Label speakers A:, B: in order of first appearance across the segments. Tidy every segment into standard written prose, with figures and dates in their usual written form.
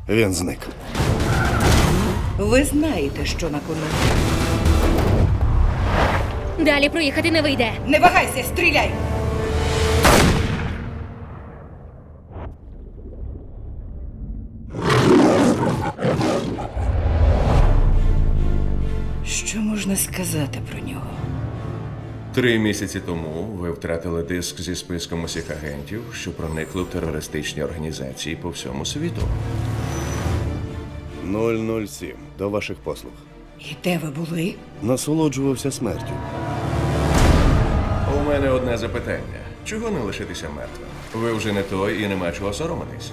A: Він зник.
B: Ви знаєте, що на кону.
C: Далі проїхати не вийде.
B: Не вагайся, стріляй! Що можна сказати про нього?
D: 3 місяці тому ви втратили диск зі списком усіх агентів, що проникли в терористичні організації по всьому світу.
A: 007. До ваших послуг.
B: І де ви були?
A: Насолоджувався смертю.
D: У мене одне запитання. Чого не лишитися мертвим? Ви вже не той і нема чого соромитись.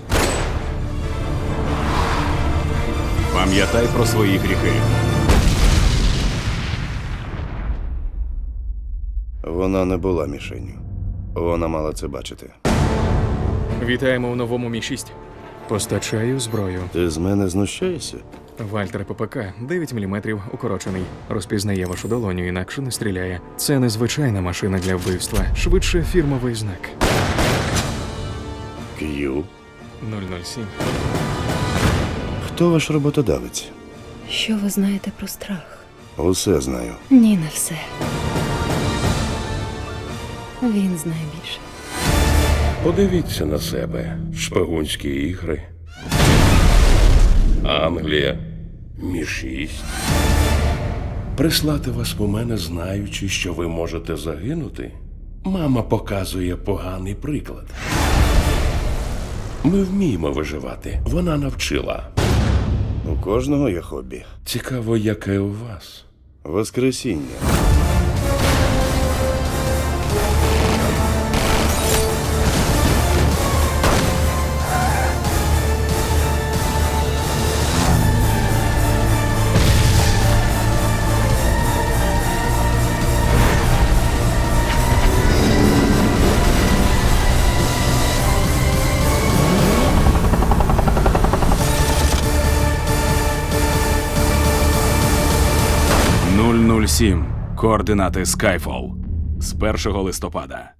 E: Пам'ятай про свої гріхи.
A: Вона не була мішенню. Вона мала це бачити.
F: Вітаємо у новому Мі-6. Постачаю зброю.
A: Ти з мене знущаєшся?
F: Вальтер ППК 9 мм укорочений. Розпізнає вашу долоню, інакше не стріляє. Це незвичайна машина для вбивства, швидше фірмовий знак.
A: К'ю.
F: 007.
A: Хто ваш роботодавець?
C: Що ви знаєте про страх?
A: Усе знаю.
C: Ні, не все. Він знає більше.
G: Подивіться на себе. Шпигунські ігри. Англія. Мі-6. Прислати вас по мене, знаючи, що ви можете загинути? Мама показує поганий приклад. Ми вміємо виживати. Вона навчила.
A: У кожного є хобі.
G: Цікаво, яке у вас.
A: Воскресіння.
E: «007. Координати Skyfall» з 1 листопада.